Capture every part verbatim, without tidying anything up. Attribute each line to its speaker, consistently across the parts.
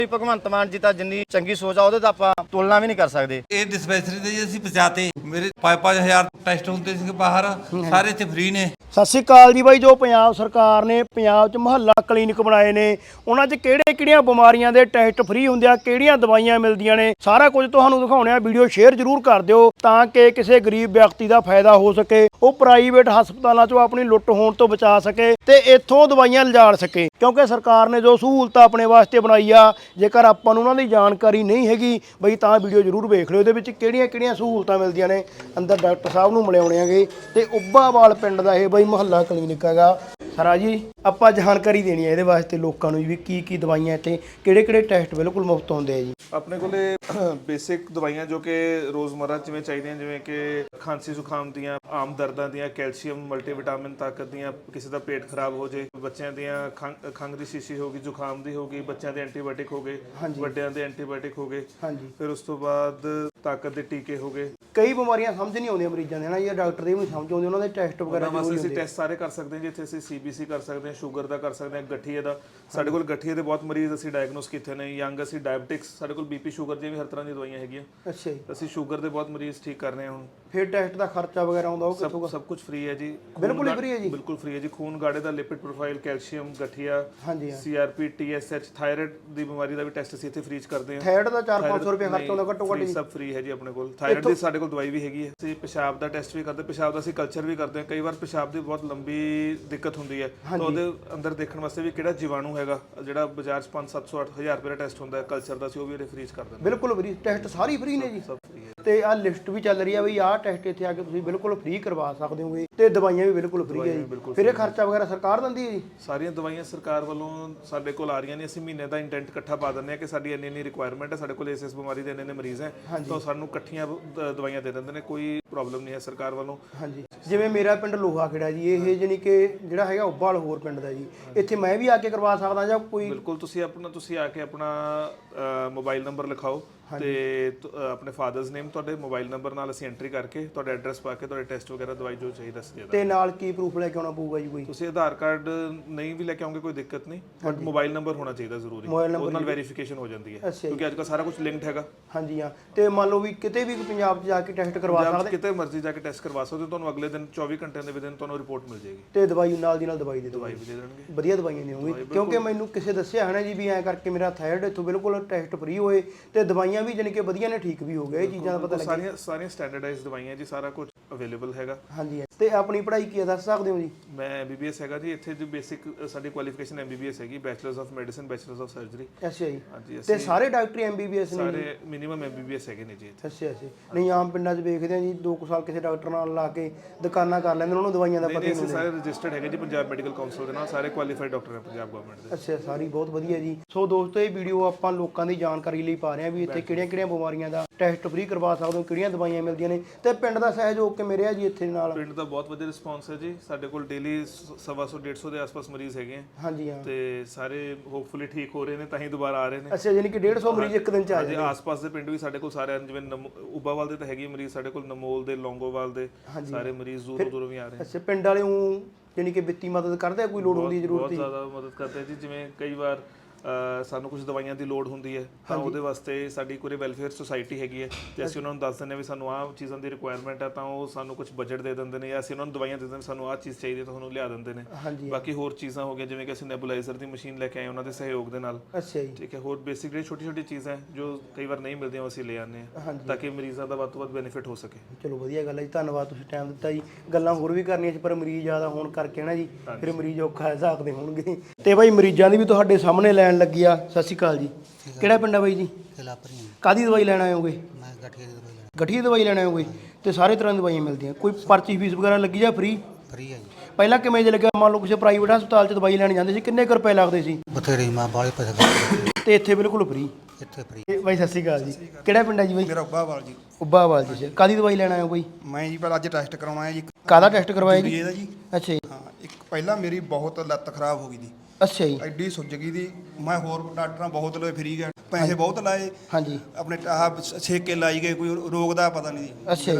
Speaker 1: ਭਗਵੰਤ ਮਾਨ ਜੀ ਤਾਂ ਜਿੰਨੀ ਚੰਗੀ ਸੋਚ ਆ ਉਹਦੇ ਤਾਂ ਆਪਾਂ ਤੁਲਨਾ ਵੀ ਨਹੀਂ ਕਰ ਸਕਦੇ।
Speaker 2: ਇਹ ਡਿਸਪੈਂਸਰੀ ਦੇ ਜੀ ਅਸੀਂ ਪਹੁੰਚਾਤੇ ਮੇਰੇ ਪੰਜ ਪੰਜ ਹਜ਼ਾਰ ਟੈਸਟ ਹੁੰਦੇ ਸੀ ਬਾਹਰ, ਸਾਰੇ ਇੱਥੇ ਫ੍ਰੀ ਨੇ।
Speaker 3: ਸਤਿ ਸ਼੍ਰੀ ਅਕਾਲ ਜੀ ਬਾਈ। ਜੋ ਪੰਜਾਬ ਸਰਕਾਰ ਨੇ ਪੰਜਾਬ 'ਚ ਮੁਹੱਲਾ ਕਲੀਨਿਕ ਬਣਾਏ ਨੇ, ਉਹਨਾਂ 'ਚ ਕਿਹੜੇ ਕਿਹੜੀਆਂ ਬਿਮਾਰੀਆਂ ਦੇ ਟੈਸਟ ਫ੍ਰੀ ਹੁੰਦੇ ਆ, ਕਿਹੜੀਆਂ ਦਵਾਈਆਂ ਮਿਲਦੀਆਂ ਨੇ, ਸਾਰਾ ਕੁਝ ਤੁਹਾਨੂੰ ਦਿਖਾਉਣੇ ਆ। ਵੀਡੀਓ ਸ਼ੇਅਰ ਜ਼ਰੂਰ ਕਰ ਦਿਓ ਤਾਂ ਕਿ ਕਿਸੇ ਗਰੀਬ ਵਿਅਕਤੀ ਦਾ ਫਾਇਦਾ ਹੋ ਸਕੇ, ਉਹ ਪ੍ਰਾਈਵੇਟ ਹਸਪਤਾਲਾਂ 'ਚੋਂ ਆਪਣੀ ਲੁੱਟ ਹੋਣ ਤੋਂ ਬਚਾ ਸਕੇ ਤੇ ਇੱਥੋਂ ਦਵਾਈਆਂ ਲਿਜਾ ਸਕੇ। ਕਿਉਂਕਿ ਸਰਕਾਰ ਨੇ ਜੋ ਸਹੂਲਤਾਂ ਆਪਣੇ ਵਾਸਤੇ ਬਣਾਈ ਆ, ਜੇਕਰ ਆਪਾਂ ਨੂੰ ਉਹਨਾਂ ਦੀ ਜਾਣਕਾਰੀ ਨਹੀਂ ਹੈਗੀ ਬਈ ਤਾਂ ਵੀਡੀਓ ਜ਼ਰੂਰ ਵੇਖ ਲਿਓ। ਇਹਦੇ ਵਿੱਚ ਕਿਹੜੀਆਂ ਕਿਹੜੀਆਂ ਸਹੂਲਤਾਂ ਮਿਲਦੀਆਂ ਨੇ, ਅੰਦਰ ਡਾਕਟਰ ਸਾਹਿਬ ਨੂੰ ਮਿਲਾਉਣੇ ਆਗੇ। ਤੇ ਉੱਬਾਵਾਲ ਪਿੰਡ ਦਾ ਇਹ ਬਈ ਮੁਹੱਲਾ ਕਲੀਨਿਕ ਹੈਗਾ। ਸਰਾ ਜੀ ਆਪਾਂ ਜਾਣਕਾਰੀ ਦੇਣੀ ਹੈ ਇਹਦੇ ਵਾਸਤੇ ਲੋਕਾਂ ਨੂੰ ਵੀ ਕੀ ਕੀ ਦਵਾਈਆਂ ਇੱਥੇ, ਕਿਹੜੇ ਕਿਹੜੇ ਟੈਸਟ ਬਿਲਕੁਲ ਮੁਫਤ ਹੁੰਦੇ ਆ ਜੀ।
Speaker 4: ਆਪਣੇ ਕੋਲੇ ਬੇਸਿਕ ਦਵਾਈਆਂ ਜੋ ਕਿ ਰੋਜ਼ਮਰਾ ਜਿਵੇਂ ਚਾਹੀਦੀਆਂ, ਜਿਵੇਂ ਕਿ ਖਾਂਸੀ ਜ਼ੁਕਾਮ ਦੀਆਂ, ਆਮ ਦਰਦਾਂ ਦੀਆਂ, ਕੈਲਸ਼ੀਅਮ, ਮਲਟੀਵਿਟਾਮਿਨ, ਤਾਕਤ ਦੀਆਂ, ਕਿਸੇ ਦਾ ਪੇਟ ਖਰਾਬ ਹੋ ਜੇ, ਬੱਚਿਆਂ ਦੀਆਂ ਖੰਘ ਖੰਘ ਦੀ ਸ਼ੀਸ਼ੀ ਹੋ ਗਈ, ਜ਼ੁਕਾਮ ਦੀ ਹੋ ਗਈ, ਬੱਚਿਆਂ ਦੇ ਐਂਟੀਬਾਇਓਟਿਕ ਹੋ ਗਏ, ਵੱਡਿਆਂ ਦੇ ਐਂਟੀਬਾਇਓਟਿਕ ਹੋ ਗਏ। ਹਾਂਜੀ। ਫਿਰ ਉਸ ਤੋਂ ਬਾਅਦ ਤਾਕਤ ਦੇ ਟੀਕੇ ਹੋ ਗਏ।
Speaker 3: ਕਈ ਬਿਮਾਰੀਆਂ ਸਮਝ ਨਹੀਂ ਆਉਂਦੀਆਂ ਮਰੀਜ਼ਾਂ ਦੇ ਨਾ, ਇਹ ਡਾਕਟਰ ਦੇ ਵੀ ਨਹੀਂ ਸਮਝ ਆਉਂਦੇ, ਉਹਨਾਂ ਦੇ ਟੈਸਟ ਵਗੈਰਾ
Speaker 4: ਵਾਸਤੇ ਅਸੀਂ ਟੈਸਟ ਸਾਰੇ ਕਰ ਸਕਦੇ ਹਾਂ। ਜਿੱਥੇ ਅਸੀਂ ਸੀਬੀਸੀ ਕਰ ਸਕਦੇ ਹਾਂ, ਸ਼ੂਗਰ ਦਾ ਕਰ ਸਕਦੇ ਹਾਂ, ਗਠੀਏ ਦਾ। ਸਾਡੇ ਕੋਲ ਗਠੀਏ ਦੇ ਬਹੁਤ ਮਰੀਜ਼ ਅਸੀਂ ਡਾਇਗਨੋਸ ਕੀਤੇ ਨੇ। ਯੰਗ ਅਸੀਂ ਡਾਇਬਟਿਕਸ, ਸਾਡੇ ਕੋਲ ਬੀਪੀ ਸ਼ੂਗਰ ਦੀਆਂ ਵੀ ਹਰ ਤਰ੍ਹਾਂ ਦੀਆਂ ਦਵਾਈਆਂ ਹੈਗੀਆਂ।
Speaker 3: ਅੱਛਾ ਜੀ।
Speaker 4: ਅਸੀਂ ਸ਼ੂਗਰ ਦੇ ਬਹੁਤ ਮਰੀਜ਼ ਠੀਕ ਕਰ ਰਹੇ ਹਾਂ ਹੁਣ।
Speaker 3: ਫਿਰ ਟੈਸਟ ਦਾ ਖਰਚਾ ਵਗੈਰਾ ਆਉਂਦਾ ਉਹ ਕਿੱਥੋਂ?
Speaker 4: ਸਭ ਕੁਝ ਫ੍ਰੀ ਹੈ ਜੀ।
Speaker 3: ਬਿਲਕੁਲ ਹੀ ਫ੍ਰੀ ਹੈ ਜੀ।
Speaker 4: ਬਿਲਕੁਲ ਫ੍ਰੀ ਹੈ ਜੀ। ਖੂਨ ਗਾੜੇ ਦਾ, ਲਿਪਿਡ ਪ੍ਰੋਫਾਈਲ, ਕੈਲਸ਼ੀਅਮ, ਗਠੀਆ,
Speaker 3: ਹਾਂਜੀ,
Speaker 4: ਸੀਆਰਪੀ, ਟੀਐਸਐਚ, ਥਾਇਰਾਇਡ ਦੀ ਬਿਮਾਰੀ ਦਾ ਵੀ ਟੈਸਟ ਅਸੀਂ ਇੱਥੇ ਫ੍ਰੀ ਚ ਕਰਦੇ ਹਾਂ।
Speaker 3: ਥਾਇਰਾਇਡ ਦਾ ਚਾਰ ਪੰਜ ਸੌ ਰੁਪਏ ਖਰਚ ਆਉਂਦਾ ਘੱਟੋ ਘੱਟ।
Speaker 4: ਸਭ ਫ੍ਰੀ ਹੈ ਜੀ ਆਪਣੇ ਕੋਲ। ਥਾਇਰਾਇਡ ਦੀ ਸਾਡੇ ਕੋਲ ਦਵਾਈ ਵੀ ਹੈਗੀ ਹੈ। ਅਸੀਂ ਪਿਸ਼ਾਬ ਦਾ ਟੈਸਟ ਵੀ ਕਰਦੇ, ਪਿਸ਼ਾਬ ਦਾ ਅਸੀਂ ਕਲਚਰ ਵੀ ਕਰਦੇ ਹਾਂ। ਕਈ ਵਾਰ ਪਿਸ਼ਾਬ ਦੀ ਬਹੁਤ ਲੰਬੀ ਦਿੱਕਤ ਹੁੰਦੀ ਹੈ ਤਾਂ ਉਹਦੇ ਅੰਦਰ ਦੇਖਣ ਵਾਸਤੇ ਵੀ ਕਿਹੜਾ ਜੀਵਾਣੂ ਹੈਗਾ, ਜਿਹੜਾ ਬਾਜ਼ਾਰ ਚ ਪੰਜ ਸੱਤ ਸੌ ਅੱਠ ਹਜ਼ਾਰ ਰੁਪਏ ਦਾ ਟੈਸਟ ਹੁੰਦਾ ਕਲਚਰ ਦਾ, ਅਸੀਂ ਉਹ ਵੀ ਇਹਦੇ ਫ੍ਰੀ ਚ ਕਰ ਦਿੰਦੇ।
Speaker 3: ਬਿਲਕੁਲ ਫ੍ਰੀ ਟੈਸਟ ਸਾਰੇ ਫ੍ਰੀ ਨੇ ਜੀ।
Speaker 4: ਸਭ ਫ੍ਰੀ ਹੈ।
Speaker 3: ਤੇ ਆਹ ਲਿਸਟ ਵੀ ਚੱਲ ਰਹੀ ਆ ਬਈ ਆਹ ਟੈਸਟ ਇੱਥੇ ਆ ਕੇ ਤੁਸੀਂ ਬਿਲਕੁਲ ਫ੍ਰੀ ਕਰਵਾ ਸਕਦੇ ਹੋਗੇ ਤੇ ਦਵਾਈਆਂ ਵੀ ਬਿਲਕੁਲ ਫ੍ਰੀ ਹੈ ਜੀ। ਫਿਰ ਇਹ ਖਰਚਾ ਵਗੈਰਾ ਸਰਕਾਰ ਦਿੰਦੀ ਹੈ ਜੀ?
Speaker 4: ਸਾਰੀਆਂ ਦਵਾਈਆਂ ਸਰਕਾਰ ਵੱਲੋਂ ਸਾਡੇ ਕੋਲ ਆ ਰਹੀਆਂ ਨੇ। ਅਸੀਂ ਮਹੀਨੇ ਦਾ ਇੰਟੈਂਟ ਇਕੱਠਾ ਪਾ ਦਿੰਦੇ ਹਾਂ ਕਿ ਸਾਡੀ ਇੰਨੀ ਇੰਨੀ ਰਿਕੁਆਇਰਮੈਂਟ ਹੈ, ਸਾਡੇ ਕੋਲ ਇਸ ਇਸ ਬਿਮਾਰੀ ਦੇ ਇੰਨੇ ਇੰਨੇ ਮਰੀਜ਼ ਹੈ, ਤਾਂ ਸਾਨੂੰ ਇਕੱਠੀਆਂ ਦਵਾਈਆਂ ਦੇ ਦਿੰਦੇ ਨੇ। ਕੋਈ ਪ੍ਰੋਬਲਮ ਨਹੀਂ ਹੈ ਸਰਕਾਰ ਵੱਲੋਂ। ਹਾਂਜੀ।
Speaker 3: ਜਿਵੇਂ ਮੇਰਾ ਪਿੰਡ ਲੋਹਾ ਖੇੜਾ ਜੀ, ਇਹ ਜਾਨੀ ਕਿ ਜਿਹੜਾ ਹੈਗਾ ਉੱਬਾਲ ਹੋਰ ਪਿੰਡ ਦਾ ਜੀ, ਇੱਥੇ ਮੈਂ ਵੀ ਆ ਕੇ ਕਰਵਾ ਸਕਦਾ ਜਾਂ ਕੋਈ?
Speaker 4: ਬਿਲਕੁਲ। ਤੁਸੀਂ ਆਪਣਾ ਤੁਸੀਂ ਆ ਕੇ ਆਪਣਾ ਮੋਬਾਈਲ ਨੰਬਰ ਲਿਖਾਓ ਤੇ ਆਪਣੇ ਫਾਦਰਸ ਨੇਮ, ਤੁਹਾਡੇ ਮੋਬਾਈਲ ਨੰਬਰ ਨਾਲ ਅਸੀਂ ਐਂਟਰੀ ਕਰਕੇ ਤੁਹਾਡਾ ਐਡਰੈਸ ਪਾ ਕੇ ਤੁਹਾਡੇ ਟੈਸਟ ਵਗੈਰਾ ਦਵਾਈ ਜੋ ਚਾਹੀਦਾ ਸੀ।
Speaker 3: ਤੇ ਨਾਲ ਕੀ ਪ੍ਰੂਫ ਲੈ ਕੇ ਆਉਣਾ ਪਊਗਾ ਜੀ ਕੋਈ?
Speaker 4: ਤੁਸੀਂ ਆਧਾਰ ਕਾਰਡ ਨਹੀਂ ਵੀ ਲੈ ਕੇ ਆਉਂਗੇ ਕੋਈ ਦਿੱਕਤ ਨਹੀਂ, ਬਟ ਮੋਬਾਈਲ ਨੰਬਰ ਹੋਣਾ ਚਾਹੀਦਾ ਜ਼ਰੂਰੀ। ਉਹਦੇ ਨਾਲ ਵੈਰੀਫਿਕੇਸ਼ਨ ਹੋ ਜਾਂਦੀ ਹੈ ਕਿਉਂਕਿ ਅੱਜ ਕੱਲ੍ਹ ਸਾਰਾ ਕੁਝ ਲਿੰਕਡ ਹੈਗਾ।
Speaker 3: ਹਾਂਜੀ ਹਾਂ। ਤੇ ਮੰਨ ਲਓ ਵੀ ਕਿਤੇ ਵੀ ਪੰਜਾਬ 'ਚ ਜਾ ਕੇ ਟੈਸਟ ਕਰਵਾ ਸਕਦੇ?
Speaker 4: ਕਿਤੇ ਮਰਜ਼ੀ ਜਾ ਕੇ ਟੈਸਟ ਕਰਵਾ ਸਕਦੇ ਹੋ। ਤੁਹਾਨੂੰ ਅਗਲੇ ਦਿਨ ਚੌਵੀ ਘੰਟਿਆਂ ਦੇ ਵਿੱਚ ਤੁਹਾਨੂੰ ਰਿਪੋਰਟ ਮਿਲ ਜਾਏਗੀ
Speaker 3: ਤੇ ਦਵਾਈ ਨਾਲ ਦੀ ਨਾਲ ਦਵਾਈ ਦੇ
Speaker 4: ਦਵਾਈ ਵੀ ਦੇ ਦੇਣਗੇ।
Speaker 3: ਵਧੀਆ ਦਵਾਈਆਂ ਦੇਣਗੇ। ਕਿਉਂਕਿ ਮੈਨੂੰ ਕਿਸੇ ਦੱਸਿਆ ਹੈ ਨਾ ਜੀ ਵੀ ਐਂ ਕਰਕੇ ਮੇਰਾ ਥਾਇਰਾਇਡ ਇੱਥੋਂ ਬਿਲਕੁਲ ਟੈਸਟ ਫ੍ਰੀ ਹੋਏ ਤੇ ਦਵਾਈਆਂ ਵੀ ਜਾਨੀ ਕਿ ਵਧੀਆ ਨੇ, ਠੀਕ ਵੀ ਹੋ ਗਏ। ਇਹ ਚੀਜ਼ਾਂ ਦਾ ਪਤਾ ਲੱਗਿਆ।
Speaker 4: ਸਾਰੀਆਂ ਸਾਰੀਆਂ ਸਟੈਂਡਰਡਾਈਜ਼ਡ ਦਵਾਈਆਂ ਜੀ, ਸਾਰਾ ਕੁਝ ਅਵੇਲੇਬਲ ਹੈਗਾ।
Speaker 3: ਹਾਂਜੀ। ਤੇ ਆਪਣੀ ਪੜ੍ਹਾਈ ਕੀ ਦੱਸ ਸਕਦੇ ਹੋ ਜੀ?
Speaker 4: ਮੈਂ ਐਮਬੀਬੀਐਸ ਹੈਗਾ ਜੀ। ਇੱਥੇ ਜੋ ਬੇਸਿਕ ਸਾਡੀ ਕੁਆਲੀਫਿਕੇਸ਼ਨ ਐਮਬੀਬੀਐਸ ਹੈਗੀ, bachelors of medicine, bachelors of surgery.
Speaker 3: ਅੱਛਾ ਜੀ।
Speaker 4: ਹਾਂਜੀ।
Speaker 3: ਤੇ ਸਾਰੇ ਡਾਕਟਰ ਐਮਬੀਬੀਐਸ ਨੇ?
Speaker 4: ਸਾਰੇ ਮਿਨੀਮਮ ਐਮਬੀਬੀਐਸ ਹੈਗੇ ਨੇ ਜੀ ਇੱਥੇ।
Speaker 3: ਅੱਛਾ ਅੱਛਾ। ਨਹੀਂ ਆਮ ਪਿੰਡਾਂ 'ਚ ਵੇਖਦੇ ਆ ਜੀ ਦੋ ਕੁ ਸਾਲ ਕਿਸੇ ਡਾਕਟਰ ਨਾਲ ਲਾ ਕੇ ਦੁਕਾਨਾਂ ਕਰ ਲੈਂਦੇ, ਉਹਨਾਂ ਨੂੰ ਦਵਾਈਆਂ ਦਾ ਪਤਾ ਹੀ ਨਹੀਂ।
Speaker 4: ਸਾਰੇ ਰਜਿਸਟਰਡ ਹੈਗੇ ਜੀ ਪੰਜਾਬ ਮੈਡੀਕਲ ਕਾਉਂਸਲ ਦੇ ਨਾਲ, ਸਾਰੇ ਕੁਆਲੀਫਾਈਡ ਡਾਕਟਰ ਹੈ ਪੰਜਾਬ ਗਵਰਨਮੈਂਟ ਦੇ।
Speaker 3: ਅੱਛਾ, ਸਾਰੀ ਬਹੁਤ ਵਧੀਆ ਜੀ। ਸੋ ਦੋਸਤੋ ਇਹ ਵੀਡੀਓ ਆਪਾਂ ਲੋਕਾਂ ਦੀ ਜਾਣਕਾਰੀ ਲਈ ਪਾ ਰਹੇ ਹਾਂ ਵੀ ਇੱਥੇ ਕਿਹੜੀਆਂ ਕਿਹੜੀਆਂ ਬਿਮਾਰੀਆਂ ਦਾ ਟੈਸਟ ਫ੍ਰੀ ਕਰਵਾ ਸਕਦੇ ਹੋ, ਕਿਹੜੀਆਂ ਦਵਾਈਆਂ ਮਿਲਦੀਆਂ ਨੇ ਤੇ ਪਿੰਡ ਦਾ ਸਹਿਯੋਗ ਕਿਵੇਂ ਰਿਹਾ ਜੀ ਇੱਥੇ ਨਾਲ?
Speaker 4: ਪਿੰਡ ਦਾ ਬਹੁਤ ਵਧੀਆ ਰਿਸਪੌਂਸ ਹੈ ਜੀ। ਸਾਡੇ ਕੋਲ ਡੇਲੀ ਸਵਾ ਸੌ ਡੇਢ ਸੌ ਦੇ ਆਸ-ਪਾਸ ਮਰੀਜ਼ ਹੈਗੇ ਆ।
Speaker 3: ਹਾਂਜੀ ਹਾਂ।
Speaker 4: ਤੇ ਸਾਰੇ ਹੋਪਫੁਲੀ ਠੀਕ ਹੋ ਰਹੇ ਨੇ, ਤਾਂ ਹੀ ਦੁਬਾਰਾ ਆ ਰਹੇ ਨੇ।
Speaker 3: ਅੱਛਾ, ਯਾਨੀ ਕਿ ਡੇਢ ਸੌ ਮਰੀਜ਼ ਇੱਕ ਦਿਨ ਚ ਆ ਜਾਂਦੇ?
Speaker 4: ਆਸ-ਪਾਸ ਦੇ ਪਿੰਡ ਵੀ ਸਾਡੇ ਕੋਲ ਸਾਰੇ, ਜਿਵੇਂ ਉਬਾਵਾਲ ਦੇ ਤਾਂ ਹੈਗੇ ਮਰੀਜ਼ ਸਾਡੇ ਕੋਲ, ਨਮੋਲ ਦੇ, ਲੌਂਗੋਵਾਲ ਦੇ, ਸਾਰੇ ਮਰੀਜ਼ ਦੂਰੋਂ ਦੂਰੋਂ ਵੀ ਆ ਰਹੇ ਨੇ।
Speaker 3: ਅੱਛਾ, ਪਿੰਡ ਵਾਲੇ ਉਹ ਯਾਨੀ ਕਿ ਵਿੱਤੀ ਮਦਦ ਕਰਦੇ ਆ, ਕੋਈ ਲੋੜ ਹੁੰਦੀ ਜ਼ਰੂਰਤ?
Speaker 4: ਬਹੁਤ ਜ਼ਿਆਦਾ ਮਦਦ ਕਰਦੇ ਆ ਜੀ। ਜਿਵੇਂ ਕਈ ਵਾਰ ਸਾਨੂੰ ਕੁਝ ਦਵਾਈਆਂ ਦੀ ਲੋੜ ਹੁੰਦੀ ਹੈ ਤਾਂ ਉਹਦੇ ਵਾਸਤੇ ਸਾਡੀ ਕੋਈ ਵੈਲਫੇਅਰ ਸੁਸਾਇਟੀ ਹੈਗੀ ਹੈ ਤੇ ਅਸੀਂ ਉਹਨਾਂ ਨੂੰ ਦੱਸ ਦਿੰਦੇ ਹਾਂ ਵੀ ਸਾਨੂੰ ਆਹ ਚੀਜ਼ਾਂ ਦੀ ਰਿਕੁਆਇਰਮੈਂਟ ਹੈ, ਤਾਂ ਉਹ ਸਾਨੂੰ ਕੁਝ ਬਜਟ ਦੇ ਦਿੰਦੇ ਨੇ ਜਾਂ ਅਸੀਂ ਉਹਨਾਂ ਨੂੰ ਦਵਾਈਆਂ ਦੇ ਦਿੰਦੇ, ਸਾਨੂੰ ਆਹ ਚੀਜ਼ ਚਾਹੀਦੀ ਹੈ ਤਾਂ ਤੁਹਾਨੂੰ ਲਿਆ ਦਿੰਦੇ ਨੇ। ਬਾਕੀ ਹੋਰ ਚੀਜ਼ਾਂ ਹੋ ਗਈਆਂ, ਜਿਵੇਂ ਕਿ ਅਸੀਂ ਨੈਬੂਲਾਈਜ਼ਰ ਦੀ ਮਸ਼ੀਨ ਲੈ ਕੇ ਆਏ ਉਹਨਾਂ ਦੇ ਸਹਿਯੋਗ ਦੇ ਨਾਲ।
Speaker 3: ਅੱਛਾ ਜੀ।
Speaker 4: ਠੀਕ ਹੈ। ਹੋਰ ਬੇਸਿਕ ਜਿਹੜੀ ਛੋਟੀ ਛੋਟੀ ਚੀਜ਼ਾਂ ਜੋ ਕਈ ਵਾਰ ਨਹੀਂ ਮਿਲਦੀਆਂ ਉਹ ਅਸੀਂ ਲੈ ਆਉਂਦੇ ਹਾਂ ਤਾਂ ਕਿ ਮਰੀਜ਼ਾਂ ਦਾ ਵੱਧ ਤੋਂ ਵੱਧ ਬੈਨੀਫਿਟ ਹੋ ਸਕੇ।
Speaker 3: ਚਲੋ ਵਧੀਆ ਗੱਲ ਹੈ ਜੀ, ਧੰਨਵਾਦ ਤੁਸੀਂ ਟਾਈਮ ਦਿੱਤਾ ਜੀ। ਗੱਲਾਂ ਹੋਰ ਵੀ ਕਰਨੀਆਂ ਸੀ ਪਰ ਮਰੀਜ਼ ਜ਼ਿਆਦਾ ਹੋਣ ਕਰਕੇ ਨਾ ਜੀ ਫਿਰ ਮਰੀਜ਼ ਔਖਾ ਹਿਸਾਬ ਦੇ ਹੋਣਗੇ। ਤੇ ਬਾਈ ਮਰੀਜ਼ਾਂ ਦੀ ਵੀ ਤੁਹਾਡੇ ਸਾਹਮਣੇ ਲੈਣ ਲੱਗੀ ਆ। ਸਤਿ ਸ਼੍ਰੀ ਅਕਾਲ ਜੀ। ਕਿਹੜਾ ਪਿੰਡ ਆ ਬਾਈ ਜੀ? ਕਾਹਦੀ ਦਵਾਈ ਲੈਣ ਆਏ ਹੋਗੇ?
Speaker 5: ਮੈਂ ਗਠੀਏ ਦੀ ਦਵਾਈ ਲੈਣ।
Speaker 3: ਗਠੀਏ ਦੀ ਦਵਾਈ ਲੈਣ ਆਏ ਹੋਗੇ ਤੇ ਸਾਰੇ ਤਰ੍ਹਾਂ ਦੀ ਦਵਾਈਆਂ ਮਿਲਦੀਆਂ? ਕੋਈ ਪਰਚੀ ਫੀਸ ਵਗੈਰਾ ਲੱਗੀ ਜਾਂ ਫ੍ਰੀ?
Speaker 5: ਫ੍ਰੀ ਹੈ ਜੀ।
Speaker 3: ਪਹਿਲਾਂ ਕਿਵੇਂ ਜੇ ਲੱਗਿਆ? ਮੰਨ ਲਓ ਕਿਸੇ ਪ੍ਰਾਈਵੇਟ ਹਸਪਤਾਲ 'ਚ ਦਵਾਈ ਲੈਣ ਜਾਂਦੇ ਸੀ, ਕਿੰਨੇ ਕੁ ਰੁਪਏ ਲੱਗਦੇ ਸੀ?
Speaker 5: ਬਥੇਰੇ ਮਾਂ ਬਾਲੇ ਪੈਸੇ
Speaker 3: ਤੇ ਇੱਥੇ ਬਿਲਕੁਲ ਫ੍ਰੀ?
Speaker 5: ਇੱਥੇ ਫ੍ਰੀ।
Speaker 3: ਬਾਈ ਸਤਿ ਸ਼੍ਰੀ ਅਕਾਲ ਜੀ। ਕਿਹੜਾ ਪਿੰਡ ਹੈ ਜੀ ਬਾਈ?
Speaker 6: ਮੇਰਾ ਉੱਬਾਵਾਲ ਜੀ।
Speaker 3: ਉੱਬਾਵਾਲ ਜੀ। ਕਾਹਦੀ ਦਵਾਈ ਲੈਣ ਆਏ ਹੋ ਬਾਈ?
Speaker 6: ਮੈਂ ਜੀ ਪਹਿਲਾਂ ਅੱਜ ਟੈਸਟ ਕਰਾਉਣਾ ਹੈ ਜੀ।
Speaker 3: ਕਾਹਦਾ ਟੈਸਟ ਕਰਵਾਇਆ ਜੀ?
Speaker 6: ਇਹਦਾ ਜੀ।
Speaker 3: ਅੱਛਾ ਜੀ।
Speaker 6: ਹਾਂ, ਇੱਕ ਪਹਿਲਾਂ ਮੇਰੀ ਬਹੁਤ ਲੱਤ ਖਰਾਬ ਹੋ ਗਈ ਦੀ।
Speaker 3: ਅੱਛਾ ਜੀ।
Speaker 6: ਐਡੀ ਸੁੱਜ ਗਈ ਦੀ, ਮੈਂ ਹੋਰ ਡਾਕਟਰਾਂ ਬਹੁਤ ਲਏ, ਫਰੀ ਗਏ, ਪੈਸੇ ਬਹੁਤ ਲਾਏ।
Speaker 3: ਹਾਂਜੀ।
Speaker 6: ਆਪਣੇ ਆਹ ਛੇਕੇ ਲਾਈ ਗਏ, ਕੋਈ ਰੋਗ ਦਾ ਪਤਾ ਨਹੀਂ ਜੀ।
Speaker 3: ਅੱਛਾ ਜੀ।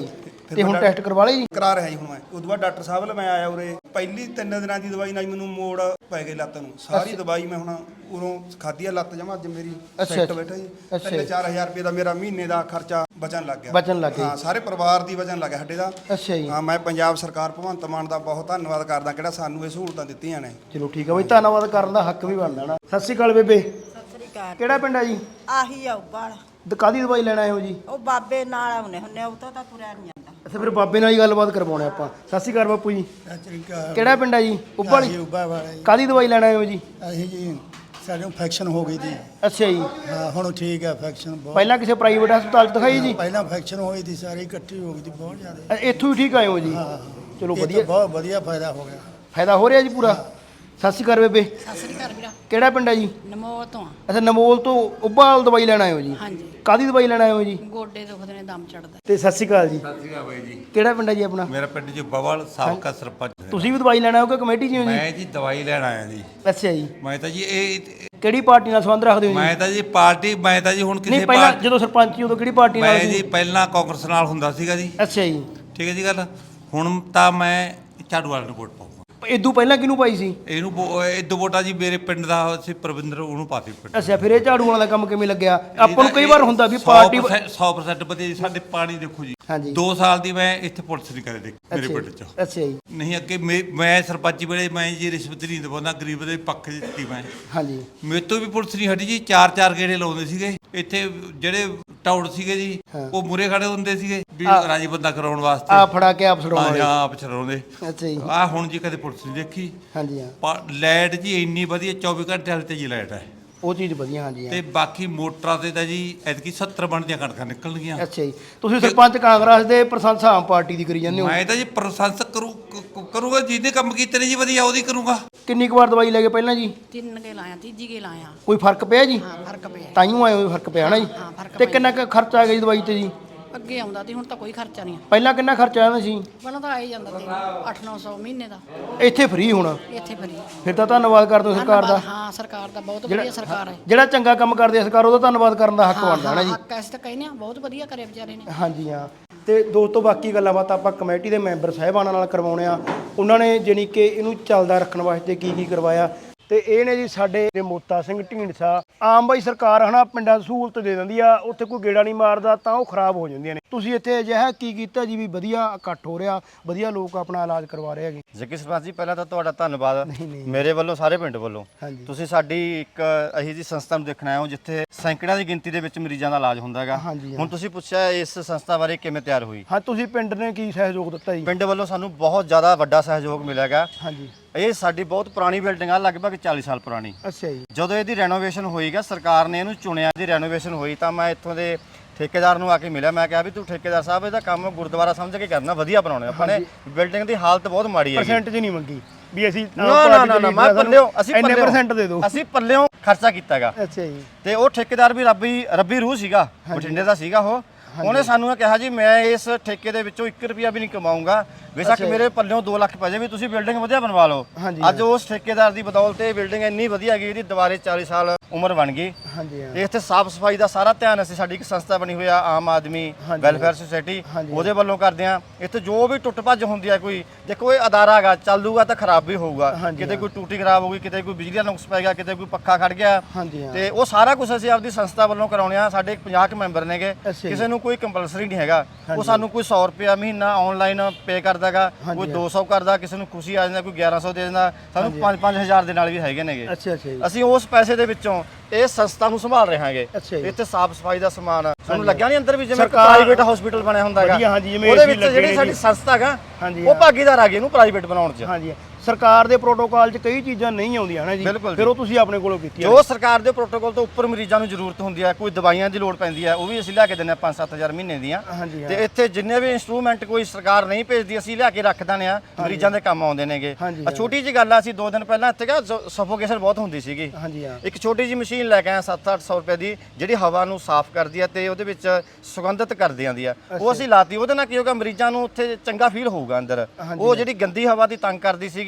Speaker 3: ਤੇ ਹੁਣ ਟੈਸਟ ਕਰਵਾ ਲਏ ਜੀ?
Speaker 6: ਕਰਾ ਰਿਹਾ ਜੀ ਹੁਣ ਮੈਂ ਉਦੋਂ ਬਾਅਦ ਡਾਕਟਰ ਸਾਹਿਬ ਨਾਲ ਮੈਂ ਆਇਆ ਉਰੇ ਪਹਿਲੀ ਤਿੰਨ ਦਿਨਾਂ ਦੀ ਦਵਾਈ ਨਾਲ ਹੀ ਮੈਨੂੰ ਮੋੜ ਪੈ ਗਈ ਲੱਤ ਨੂੰ ਸਾਰੀ ਦਵਾਈ ਮੈਂ ਹੁਣ ਉਰੋਂ ਖਾਧੀ ਆ ਲੱਤ ਜਮਾ ਅੱਜ ਮੇਰੀ ਸੈੱਟ ਬੈਠਾ ਜੀ ਤਿੰਨ ਚਾਰ ਹਜ਼ਾਰ ਰੁਪਏ ਦਾ ਮੇਰਾ ਮਹੀਨੇ ਦਾ ਖਰਚਾ ਬਚਣ ਲੱਗ ਗਿਆ
Speaker 3: ਬਚਣ ਲੱਗ ਗਿਆ
Speaker 6: ਹਾਂ ਸਾਰੇ ਪਰਿਵਾਰ ਦੀ ਬਚਣ ਲੱਗ ਗਿਆ ਸਾਡੇ ਦਾ
Speaker 3: ਅੱਛਾ ਜੀ।
Speaker 6: ਹਾਂ ਮੈਂ ਪੰਜਾਬ ਸਰਕਾਰ ਭਗਵੰਤ ਮਾਨ ਦਾ ਬਹੁਤ ਧੰਨਵਾਦ ਕਰਦਾ ਕਿਹੜਾ ਸਾਨੂੰ ਇਹ ਸਹੂਲਤਾਂ ਦਿੱਤੀਆਂ ਨੇ।
Speaker 3: ਚਲੋ ਠੀਕ ਆ ਬਈ, ਧੰਨਵਾਦ ਕਰਨ ਦਾ ਹੱਕ ਵੀ ਬਣਦਾ ਨਾ। ਸਤਿ ਸ਼੍ਰੀ ਅਕਾਲ ਬੇਬੇ,
Speaker 7: ਸਤਿ ਸ੍ਰੀ ਅਕਾਲ।
Speaker 3: ਕਿਹੜਾ ਪਿੰਡ ਆ ਜੀ?
Speaker 7: ਆਹੀ ਆ ਉੱਪਰ
Speaker 3: ਕਾਹਦੀ ਦਵਾਈ ਲੈਣ ਆਏ ਹੋ ਜੀ?
Speaker 7: ਉਹ ਬਾਬੇ ਨਾਲ ਆਉਨੇ ਹੁੰਨੇ ਉਹ ਤਾਂ ਤੁਰਿਆ ਨਹੀਂ ਜਾਂਦਾ।
Speaker 3: ਅੱਛਾ ਫਿਰ ਬਾਬੇ ਨਾਲ ਹੀ ਗੱਲਬਾਤ ਕਰਵਾਉਣੇ ਆਪਾਂ। ਸਤਿ ਸ਼੍ਰੀ ਅਕਾਲ ਬਾਪੂ ਜੀ। ਕਿਹੜਾ ਪਿੰਡ ਆ ਜੀ? ਉੱਬਾ ਵਾਲੀ।
Speaker 8: ਉੱਬਾ ਵਾਲਾ ਜੀ।
Speaker 3: ਕਾਹਦੀ ਦਵਾਈ ਲੈਣ ਆਏ ਹੋ ਜੀ?
Speaker 8: ਅਸੀਂ ਜੀ ਸਾਡੇ ਇਨਫੈਕਸ਼ਨ ਹੋ ਗਈ ਸੀ।
Speaker 3: ਅੱਛਾ ਜੀ।
Speaker 8: ਹਾਂ ਹੁਣ ਠੀਕ ਹੈ ਇਨਫੈਕਸ਼ਨ ਬਹੁਤ।
Speaker 3: ਪਹਿਲਾਂ ਕਿਸੇ ਪ੍ਰਾਈਵੇਟ ਹਸਪਤਾਲ 'ਚ ਦਿਖਾਈ ਜੀ?
Speaker 8: ਪਹਿਲਾਂ ਇਨਫੈਕਸ਼ਨ ਹੋਈ ਸੀ ਸਾਰੀ ਇਕੱਠੀ ਹੋ ਗਈ ਸੀ ਬਹੁਤ ਜ਼ਿਆਦਾ।
Speaker 3: ਅ, ਇੱਥੋਂ ਹੀ ਠੀਕ ਆਏ ਹੋ ਜੀ?
Speaker 8: ਹਾਂ
Speaker 3: ਚਲੋ
Speaker 8: ਇਹ ਤਾਂ
Speaker 3: ਵਧੀਆ,
Speaker 8: ਬਹੁਤ ਵਧੀਆ ਫਾਇਦਾ ਹੋ ਗਿਆ।
Speaker 3: ਫਾਇਦਾ ਹੋ ਰਿਹਾ ਜੀ ਪੂਰਾ। ਸਤਿ ਸ਼੍ਰੀ ਅਕਾਲ ਬੇਬੇ,
Speaker 9: ਸਤਿ ਸ੍ਰੀ ਅਕਾਲ ਵੀਰਾ।
Speaker 3: ਕਿਹੜਾ ਪਿੰਡ ਆ ਜੀ?
Speaker 9: ਨਮੋ ਤੋਂ ਆ।
Speaker 3: ਅੱਛਾ ਨਮੋਲ ਤੋਂ ਉੱਬਾਲ ਦਵਾਈ ਲੈਣ ਆਏ ਹੋ ਜੀ?
Speaker 9: ਹਾਂਜੀ।
Speaker 3: ਕਾਹਦੀ ਦਵਾਈ ਲੈਣ ਆਏ ਹੋ ਜੀ?
Speaker 9: ਗੋਡੇ ਦੁਖਦੇ ਨੇ, ਦਮ ਚੜਦਾ।
Speaker 3: ਤੇ ਸਤਿ ਸ਼੍ਰੀ ਅਕਾਲ ਜੀ।
Speaker 2: ਸਤਿ ਸ਼੍ਰੀ ਅਕਾਲ ਬਾਈ ਜੀ।
Speaker 3: ਕਿਹੜਾ ਪਿੰਡ ਆ ਜੀ ਆਪਣਾ?
Speaker 2: ਮੇਰਾ ਪਿੰਡ ਜੀ ਬਵਲ, ਸਾਬਕਾ ਸਰਪੰਚ।
Speaker 3: ਤੁਸੀਂ ਵੀ ਦਵਾਈ ਲੈਣ ਆਏ ਹੋ ਕਿ ਕਮੇਟੀ 'ਚ ਹੋ ਜੀ?
Speaker 2: ਮੈਂ ਜੀ ਦਵਾਈ ਲੈਣ ਆਇਆ ਜੀ।
Speaker 3: ਅੱਛਾ ਜੀ।
Speaker 2: ਮੈਂ ਤਾਂ ਜੀ ਇਹ
Speaker 3: ਕਿਹੜੀ ਪਾਰਟੀ ਨਾਲ ਸੰਬੰਧ ਰੱਖਦੇ ਹੋ ਜੀ?
Speaker 2: ਮੈਂ ਤਾਂ ਜੀ ਪਾਰਟੀ ਮੈਂ ਤਾਂ ਜੀ ਹੁਣ
Speaker 3: ਨਹੀਂ
Speaker 2: ਕਿਸੇ
Speaker 3: ਪਹਿਲਾਂ
Speaker 2: ਪਾਰਟੀ
Speaker 3: ਜਦੋਂ ਸਰਪੰਚ ਸੀ ਉਦੋਂ ਕਿਹੜੀ ਪਾਰਟੀ ਨਾਲ
Speaker 2: ਮੈਂ
Speaker 3: ਸੀ?
Speaker 2: ਜੀ ਪਹਿਲਾਂ ਕਾਂਗਰਸ ਨਾਲ ਹੁੰਦਾ ਸੀਗਾ ਜੀ।
Speaker 3: ਅੱਛਾ ਜੀ।
Speaker 2: ਠੀਕ ਹੈ ਜੀ ਗੱਲ। ਹੁਣ ਤਾਂ ਮੈਂ ਝਾੜੂ ਵਾਲੇ ਨੂੰ ਵੋਟ ਪਾਉਂਗਾ।
Speaker 3: ਇਦੋਂ ਪਹਿਲਾਂ ਕਿਹਨੂੰ ਪਾਈ ਸੀ?
Speaker 2: ਇਹਨੂੰ ਵੋ- ਇਹ ਦੋ ਵੋਟਾਂ ਜੀ ਮੇਰੇ ਪਿੰਡ ਦਾ ਸੀ ਪ੍ਰਵਿੰਦਰ, ਉਹਨੂੰ ਪਾਤੀ ਪਿੰਡ।
Speaker 3: ਅੱਛਾ ਫਿਰ ਇਹ ਝਾੜੂ ਵਾਲਾ ਕੰਮ ਕਿਵੇਂ ਲੱਗਿਆ? ਆਪਾਂ ਨੂੰ ਕਈ ਵਾਰ ਹੁੰਦਾ ਵੀ ਪਾਰਟੀ
Speaker 2: ਸੌ ਪ੍ਰਸੈਂਟ ਵਧੀਆ ਜੀ। ਸਾਡੇ ਪਾਣੀ ਦੇਖੋ ਜੀ,
Speaker 3: ਹਾਂਜੀ।
Speaker 2: ਦੋ ਸਾਲ ਦੀ ਮੈਂ ਇੱਥੇ ਪੁਲਿਸ ਨਹੀਂ ਕਰੇ ਦੇਖ ਮੇਰੇ
Speaker 3: ਅੱਛਾ
Speaker 2: ਪਿੰਡ
Speaker 3: ਜੀ,
Speaker 2: 'ਚ।
Speaker 3: ਅੱਛਾ ਜੀ।
Speaker 2: ਨਹੀਂ ਅੱਗੇ ਮੇ- ਮੈਂ ਸਰਪੰਚੀ ਵੇਲੇ ਮੈਂ ਜੀ ਰਿਸ਼ਵਤ ਨਹੀਂ ਦਵਾਉਂਦਾ, ਗਰੀਬ ਦੇ ਪੱਖ 'ਚ ਦਿੱਤੀ ਮੈਂ।
Speaker 3: ਹਾਂਜੀ।
Speaker 2: ਮੇਰੇ ਤੋਂ ਵੀ ਪੁਲਿਸ ਨਹੀਂ ਹਟੀ ਜੀ। ਚਾਰ ਚਾਰ ਗੇੜੇ ਲਾਉਂਦੇ ਸੀਗੇ ਇੱਥੇ ਜਿਹੜੇ ਟਾਊਟ ਸੀਗੇ ਜੀ,
Speaker 3: ਹਾਂ।
Speaker 2: ਉਹ ਮੂਰੇ ਖੜੇ ਹੁੰਦੇ ਸੀਗੇ ਵੀ
Speaker 3: ਆ-
Speaker 2: ਰਾਜੀ ਬੰਦਾ ਕਰਾਉਣ ਵਾਸਤੇ।
Speaker 3: ਆ ਫੜਾ ਕੇ ਆਪ ਛਡਾਉਣਾ
Speaker 2: ਹਾਂ
Speaker 3: ਵਾਲੇ।
Speaker 2: ਹਾਂ, ਆਪ ਛਡਾਉਂਦੇ।
Speaker 3: ਅੱਛਾ ਜੀ।
Speaker 2: ਆ ਹੁਣ ਜੀ ਕਦੇ ਪੁਲਿਸ ਨਹੀਂ ਦੇਖੀ।
Speaker 3: ਹਾਂਜੀ ਹਾਂ,
Speaker 2: ਪਰ ਲਾਈਟ ਜੀ ਇੰਨੀ ਵਧੀਆ ਚੌਵੀ ਘੰਟੇ ਵਾਲੀ ਤੇ ਜੀ ਲਾਈਟ ਹੈ।
Speaker 3: ਉਹ ਚੀਜ਼ ਵਧੀਆ। ਹਾਂਜੀ ਹਾਂ।
Speaker 2: ਤੇ ਬਾਕੀ ਮੋਟਰਾਂ ਤੇ ਤਾਂ ਜੀ ਐਤਕੀ ਸੱਤਰ ਬਣਦੀਆਂ ਕਣਕਾਂ ਨਿਕਲਣਗੀਆਂ।
Speaker 3: ਅੱਛਾ ਜੀ। ਤੁਸੀਂ ਸਰਪੰਚ ਕਾਂਗਰਸ ਦੇ, ਪ੍ਰਸ਼ੰਸਾ ਆਮ ਪਾਰਟੀ ਦੀ ਕਰੀ ਜਾਂਦੇ ਹੋ।
Speaker 2: ਮੈਂ ਤਾਂ ਜੀ ਪ੍ਰਸ਼ੰਸਾ ਕਰੂ ਕ- ਕਰੂੰਗਾ ਜਿਹਨੇ ਕੰਮ ਕੀਤੇ ਨੇ ਜੀ ਵਧੀਆ ਉਹਦੀ ਕਰੂੰਗਾ।
Speaker 3: ਕਿੰਨੀ ਕੁ ਵਾਰ ਦਵਾਈ ਲੈ ਕੇ ਪਹਿਲਾਂ ਜੀ?
Speaker 9: ਤਿੰਨ ਗੇ ਲਾਇਆ, ਤੀਜੀ ਗੇ ਲਾਇਆ।
Speaker 3: ਕੋਈ ਫਰਕ ਪਿਆ ਜੀ?
Speaker 9: ਹਾਂ ਫਰਕ ਪਿਆ।
Speaker 3: ਤਾਈਓ ਆਏ ਹੋ ਫਰਕ ਪਿਆ ਨਾ ਜੀ?
Speaker 9: ਹਾਂ, ਫਰਕ
Speaker 3: ਤੇ
Speaker 9: ਪਿਆ।
Speaker 3: ਕਿੰਨਾ ਕੁ ਖਰਚਾ ਆ ਗਿਆ ਜੀ ਦਵਾਈ ਤੇ ਜੀ?
Speaker 9: ਅੱਗੇ ਆਉਂਦਾ ਤੇ ਹੁਣ ਤਾਂ ਕੋਈ ਖਰਚਾ ਨਹੀਂ।
Speaker 3: ਪਹਿਲਾਂ ਕਿੰਨਾ ਖਰਚਾ ਆਇਆ ਸੀ?
Speaker 9: ਪਹਿਲਾਂ ਤਾਂ ਆ ਹੀ ਜਾਂਦਾ ਤੇ ਅੱਠ ਨੌ ਸੌ ਮਹੀਨੇ ਦਾ।
Speaker 3: ਇੱਥੇ ਫ੍ਰੀ ਹੋਣਾ?
Speaker 9: ਇੱਥੇ ਫਰੀ।
Speaker 3: ਫਿਰ ਤਾਂ ਧੰਨਵਾਦ ਕਰਦੇ ਹੋ ਸਰਕਾਰ ਦਾ।
Speaker 9: ਹਾਂ ਸਰਕਾਰ ਦਾ ਬਹੁਤ ਵਧੀਆ ਸਰਕਾਰ ਹੈ।
Speaker 3: ਜਿਹੜਾ ਚੰਗਾ ਕੰਮ ਕਰਦੀ ਹੈ ਸਰਕਾਰ, ਉਹਦਾ ਧੰਨਵਾਦ ਕਰਨ ਦਾ ਹੱਕ ਬਣਦਾ ਨਾ ਜੀ।
Speaker 9: ਹੱਕ ਐਸੇ ਤਾਂ ਕਹਿੰਦੇ ਆ, ਬਹੁਤ ਵਧੀਆ ਕਰਿਆ ਵਿਚਾਰੇ ਨੇ।
Speaker 3: ਹਾਂਜੀ ਹਾਂ। ਤੇ ਦੋਸਤੋ ਬਾਕੀ ਗੱਲਾਂ ਬਾਤਾਂ ਆਪਾਂ ਕਮੇਟੀ ਦੇ ਮੈਂਬਰ ਸਾਹਿਬਾਨਾਂ ਨਾਲ ਕਰਵਾਉਣੇ ਆ। ਉਹਨਾਂ ਨੇ ਜਾਣੀ ਕਿ ਇਹਨੂੰ ਚੱਲਦਾ ਰੱਖਣ ਵਾਸਤੇ ਕੀ ਕੀ ਕਰਵਾਇਆ। ਤੇ ਇਹ ਨੇ ਜੀ ਸਾਡੇ ਮੋਤਾ ਸਿੰਘ ਢੀਂਡਸਾ। ਆਮ ਬਾਈ ਸਰਕਾਰ ਹਨਾ ਪਿੰਡਾਂ 'ਚ ਸਹੂਲਤ ਦੇ ਦਿੰਦੀ ਆ, ਉੱਥੇ ਕੋਈ ਗੇੜਾ ਨਹੀਂ ਮਾਰਦਾ ਤਾਂ ਉਹ ਖਰਾਬ ਹੋ ਜਾਂਦੀਆਂ ਨੇ। ਤੁਸੀਂ ਇੱਥੇ ਅਜਿਹਾ ਕੀ ਕੀਤਾ ਜੀ ਵੀ ਵਧੀਆ ਇਕੱਠ ਹੋ ਰਿਹਾ, ਵਧੀਆ ਲੋਕ ਆਪਣਾ ਇਲਾਜ ਕਰਵਾ ਰਹੇ ਹੈਗੇ?
Speaker 1: ਜੱਗੀ ਸਰਪੰਚ ਜੀ, ਪਹਿਲਾਂ ਤਾਂ ਤੁਹਾਡਾ ਧੰਨਵਾਦ
Speaker 3: ਨਹੀਂ, ਨਹੀਂ।
Speaker 1: ਮੇਰੇ ਵੱਲੋਂ, ਸਾਰੇ ਪਿੰਡ ਵੱਲੋਂ।
Speaker 3: ਹਾਂਜੀ।
Speaker 1: ਤੁਸੀਂ ਸਾਡੀ ਇੱਕ ਅਹੀ ਜੀ ਸੰਸਥਾ ਨੂੰ ਦੇਖਣ ਆਏ ਹੋ ਜਿੱਥੇ ਸੈਂਕੜਿਆਂ ਦੀ ਗਿਣਤੀ ਦੇ ਵਿੱਚ ਮਰੀਜ਼ਾਂ ਦਾ ਇਲਾਜ ਹੁੰਦਾ ਹੈਗਾ।
Speaker 3: ਹਾਂਜੀ, ਹਾਂ।
Speaker 1: ਹੁਣ ਤੁਸੀਂ ਪੁੱਛਿਆ ਇਸ ਸੰਸਥਾ ਬਾਰੇ ਕਿਵੇਂ ਤਿਆਰ ਹੋਈ।
Speaker 3: ਹਾਂ, ਤੁਸੀਂ ਪਿੰਡ ਨੇ ਕੀ ਸਹਿਯੋਗ ਦਿੱਤਾ ਜੀ?
Speaker 1: ਪਿੰਡ ਵੱਲੋਂ ਸਾਨੂੰ ਬਹੁਤ ਜ਼ਿਆਦਾ ਵੱਡਾ ਸਹਿਯੋਗ ਮਿਲਿਆ ਗਾ।
Speaker 3: ਹਾਂਜੀ।
Speaker 1: ਇਹ ਸਾਡੀ ਬਹੁਤ ਪੁਰਾਣੀ ਬਿਲਡਿੰਗ ਆ, ਲਗਭਗ ਚਾਲੀ ਸਾਲ ਪੁਰਾਣੀ।
Speaker 3: ਅੱਛਾ ਜੀ।
Speaker 1: ਜਦੋਂ ਇਹਦੀ ਰੈਨੋਵੇਸ਼ਨ ਹੋਈਗਾ, ਸਰਕਾਰ ਨੇ ਇਹਨੂੰ ਚੁਣਿਆ, ਦੀ ਰੈਨੋਵੇਸ਼ਨ ਹੋਈ ਤਾਂ ਮੈਂ ਇੱਥੋਂ ਦੇ ਠੇਕੇਦਾਰ ਨੂੰ ਆ ਕੇ ਮਿਲਿਆ। ਮੈਂ ਕਿਹਾ ਵੀ ਤੂੰ ਠੇਕੇਦਾਰ ਸਾਹਿਬ ਇਹਦਾ ਕੰਮ ਗੁਰਦੁਆਰਾ ਸਮਝ ਕੇ ਕਰਨਾ, ਵਧੀਆ ਬਣਾਉਣਾ ਆਪਾਂ ਨੇ। ਬਿਲਡਿੰਗ ਦੀ ਹਾਲਤ ਬਹੁਤ ਮਾੜੀ ਹੈ।
Speaker 3: ਪਰਸੈਂਟ ਜੀ ਨਹੀਂ ਮੰਗੀ ਵੀ ਅਸੀਂ
Speaker 1: ਨਾ ਨਾ ਨਾ ਨਾ ਮੈਂ ਪੱਲਿਓ, ਅਸੀਂ
Speaker 3: ਇੰਨੇ
Speaker 1: ਪੱਲਿਓ
Speaker 3: ਪਰਸੈਂਟ ਦੇ ਦਿਓ।
Speaker 1: ਅਸੀਂ ਪੱਲਿਓ ਖਰਚਾ ਕੀਤਾਗਾ।
Speaker 3: ਅੱਛਾ ਜੀ।
Speaker 1: ਤੇ ਉਹ ਠੇਕੇਦਾਰ ਵੀ ਰੱਬੀ ਰੱਬੀ ਰੂਹ ਸੀਗਾ, ਬਠਿੰਡੇ ਦਾ ਸੀਗਾ ਉਹ। ਉਹਨੇ ਸਾਨੂੰ ਇਹ ਕਿਹਾ ਜੀ ਮੈਂ ਇਸ ਠੇਕੇ ਦੇ ਵਿੱਚੋਂ ਇੱਕ ਰੁਪਿਆ ਵੀ ਨਹੀਂ ਕਮਾਊਂਗਾ, ਬੇਸ਼ੱਕ ਮੇਰੇ ਪੱਲਿਓਂ ਦੋ ਲੱਖ ਪੈ ਜਾਵੇ, ਤੁਸੀਂ ਬਿਲਡਿੰਗ ਵਧੀਆ ਬਣਵਾ ਲਓ।
Speaker 3: ਹਾਂਜੀ,
Speaker 1: ਅੱਜ ਉਸ ਠੇਕੇਦਾਰ ਦੀ ਬਦੌਲਤ ਇਹ ਬਿਲਡਿੰਗ ਇੰਨੀ ਵਧੀਆ ਗਈ, ਇਹਦੀ ਦੁਬਾਰੇ ਚਾਲੀ ਸਾਲ ਉਮਰ ਬਣ ਗਈ।
Speaker 3: ਹਾਂਜੀ ਹਾਂ।
Speaker 1: ਤੇ ਇੱਥੇ ਸਾਫ ਸਫਾਈ ਦਾ ਸਾਰਾ ਧਿਆਨ ਅਸੀਂ, ਸਾਡੀ ਇੱਕ ਸੰਸਥਾ ਬਣੀ ਹੋਈ ਆ ਆਮ ਆਦਮੀ
Speaker 3: ਹਾਂਜੀ,
Speaker 1: ਵੈਲਫੇਅਰ ਸੁਸਾਇਟੀ,
Speaker 3: ਹਾਂਜੀ।
Speaker 1: ਉਹਦੇ ਵੱਲੋਂ ਕਰਦੇ ਆ। ਇੱਥੇ ਜੋ ਵੀ ਟੁੱਟ ਭੱਜ ਹੁੰਦੀ ਆ, ਕੋਈ ਦੇਖੋ ਇਹ ਅਦਾਰਾ ਹੈਗਾ, ਚੱਲੂਗਾ ਤਾਂ ਖਰਾਬ ਵੀ ਹੋਊਗਾ।
Speaker 3: ਹਾਂਜੀ,
Speaker 1: ਕਿਤੇ
Speaker 3: ਹਾਂ।
Speaker 1: ਕੋਈ ਟੂਟੀ ਖਰਾਬ ਹੋ ਗਈ, ਕਿਤੇ ਕੋਈ ਬਿਜਲੀ ਦਾ ਨੁਕਸ ਪੈ ਗਿਆ, ਕਿਤੇ ਕੋਈ ਪੱਖਾ ਖੜ ਗਿਆ।
Speaker 3: ਹਾਂਜੀ ਹਾਂ।
Speaker 1: ਤੇ ਉਹ ਸਾਰਾ ਕੁਝ ਅਸੀਂ ਆਪਦੀ ਸੰਸਥਾ ਵੱਲੋਂ ਕਰਾਉਣੇ ਆ। ਸਾਡੇ ਪੰਜਾਹ ਕੁ ਮੈਂਬਰ ਨੇਗੇ,
Speaker 3: ਅੱਛਾ ਜੀ।
Speaker 1: ਕਿਸੇ ਨੂੰ ਕੋਈ ਕੰਪਲਸਰੀ ਨਹੀਂ ਹੈਗਾ। ਉਹ
Speaker 3: ਹਾਂਜੀ।
Speaker 1: ਸਾਨੂੰ ਕੋਈ ਸੌ ਰੁਪਿਆ ਮਹੀਨਾ ਆਨਲਾਈਨ ਪੇ ਕਰਦਾਗਾ,
Speaker 3: ਹਾਂਜੀ,
Speaker 1: ਕੋਈ
Speaker 3: ਹਾਂ।
Speaker 1: ਦੋ ਸੌ ਕਰਦਾ, ਕਿਸੇ ਨੂੰ ਖੁਸ਼ੀ ਆ ਜਾਂਦਾ, ਕੋਈ ਗਿਆਰਾਂ ਸੌ ਦੇ ਦਿੰਦਾ, ਸਾਨੂੰ
Speaker 3: ਹਾਂਜੀ।
Speaker 1: ਪੰਜ ਪੰਜ ਹਜ਼ਾਰ ਦੇ ਨਾਲ ਵੀ ਹੈਗੇ ਨੇਗੇ।
Speaker 3: ਅੱਛਾ ਅੱਛਾ ਜੀ।
Speaker 1: ਅਸੀਂ ਉਸ ਪੈਸੇ ਦੇ ਵਿੱਚੋਂ ਇਹ ਸੰਸਥਾ ਨੂੰ ਸੰਭਾਲ ਰਹੇ ਹਾਂਗੇ।
Speaker 3: ਅੱਛਾ ਜੀ।
Speaker 1: ਇੱਥੇ ਸਾਫ ਸਫਾਈ ਦਾ ਸਮਾਨ ਤੁਹਾਨੂੰ
Speaker 3: ਹਾਂਜੀ।
Speaker 1: ਲੱਗਿਆ ਨਹੀਂ ਅੰਦਰ ਵੀ ਜਿਵੇਂ
Speaker 3: ਸਰਕਾਰ-
Speaker 1: ਪ੍ਰਾਈਵੇਟ ਹਸਪੀਟਲ ਬਣਿਆ ਹੁੰਦਾ ਹੈਗਾ।
Speaker 3: ਵਧੀਆ, ਹਾਂਜੀ, ਜਿਵੇਂ
Speaker 1: ਉਹਦੇ
Speaker 3: A C
Speaker 1: ਵਿੱਚ
Speaker 3: ਲੱਗੇ
Speaker 1: ਜਿਹੜੀ
Speaker 3: ਨੇ
Speaker 1: ਸਾਡੀ
Speaker 3: ਜੀ।
Speaker 1: ਸੰਸਥਾ ਹੈਗਾ,
Speaker 3: ਹਾਂਜੀ,
Speaker 1: ਉਹ
Speaker 3: ਹਾਂ।
Speaker 1: ਭਾਗੀਦਾਰ ਆ ਗਏ ਇਹਨੂੰ ਪ੍ਰਾਈਵੇਟ ਬਣਾਉਣ 'ਚ।
Speaker 3: ਹਾਂਜੀ। ਸਰਕਾਰ ਦੇ ਪ੍ਰੋਟੋਕਾਲ 'ਚ ਕਈ ਚੀਜ਼ਾਂ ਨਹੀਂ ਆਉਂਦੀਆਂ ਨਾ ਜੀ,
Speaker 1: ਬਿਲਕੁਲ
Speaker 3: ਫਿਰ
Speaker 1: ਜੀ।
Speaker 3: ਉਹ ਤੁਸੀਂ ਆਪਣੇ ਕੋਲੋਂ ਕੀਤੀ
Speaker 1: ਜੋ ਸਰਕਾਰ ਦੇ ਪ੍ਰੋਟੋਕਾਲ ਤੋਂ ਉੱਪਰ ਮਰੀਜ਼ਾਂ ਨੂੰ ਜ਼ਰੂਰਤ ਹੁੰਦੀ ਹੈ, ਕੋਈ ਦਵਾਈਆਂ ਦੀ ਲੋੜ ਪੈਂਦੀ ਹੈ, ਉਹ ਵੀ ਅਸੀਂ ਲਿਆ ਕੇ ਦਿੰਦੇ ਹਾਂ ਪੰਜ ਸੱਤ ਹਜ਼ਾਰ ਮਹੀਨੇ ਦੀਆਂ।
Speaker 3: ਹਾਂਜੀ, ਹਾਂ।
Speaker 1: ਤੇ ਇੱਥੇ ਜਿੰਨੇ ਵੀ ਇਨਸਟਰੂਮੈਂਟ ਕੋਈ ਸਰਕਾਰ ਨਹੀਂ ਭੇਜਦੀ, ਅਸੀਂ ਲਿਆ ਕੇ ਰੱਖ ਦਿੰਦੇ ਆ, ਮਰੀਜ਼ਾਂ ਦੇ ਕੰਮ ਆਉਂਦੇ ਨੇਗੇ।
Speaker 3: ਹਾਂਜੀ,
Speaker 1: ਆ
Speaker 3: ਹਾਂ।
Speaker 1: ਛੋਟੀ ਜਿਹੀ ਗੱਲ ਆ, ਅਸੀਂ ਦੋ ਦਿਨ ਪਹਿਲਾਂ ਇੱਥੇ ਗਿਆ, ਸਫੋਕੇਸ਼ਨ ਬਹੁਤ ਹੁੰਦੀ ਸੀਗੀ।
Speaker 3: ਹਾਂਜੀ ਹਾਂ।
Speaker 1: ਇੱਕ ਛੋਟੀ ਜਿਹੀ ਮਸ਼ੀਨ ਲੈ ਕੇ ਆਇਆ ਸੱਤ ਅੱਠ ਸੌ ਰੁਪਏ ਦੀ, ਜਿਹੜੀ ਹਵਾ ਨੂੰ ਸਾਫ਼ ਕਰਦੀ ਆ ਤੇ ਉਹਦੇ ਵਿੱਚ ਸੁਗੰਧਿਤ ਕਰਦੀ ਆਂਦੀ ਆ। ਉਹ ਅਸੀਂ ਲਾਤੀ, ਉਹਦੇ ਨਾਲ ਕੀ ਹੋਗਾ, ਮਰੀਜ਼ਾਂ ਨੂੰ ਉੱਥੇ ਚੰਗਾ ਫੀਲ ਹੋਊਗਾ ਅੰਦਰ।
Speaker 3: ਹਾਂਜੀ,
Speaker 1: ਉਹ ਜਿਹੜੀ ਗੰਦੀ ਹਵਾ ਦੀ ਤੰਗ ਕਰਦੀ ਸੀਗੀ,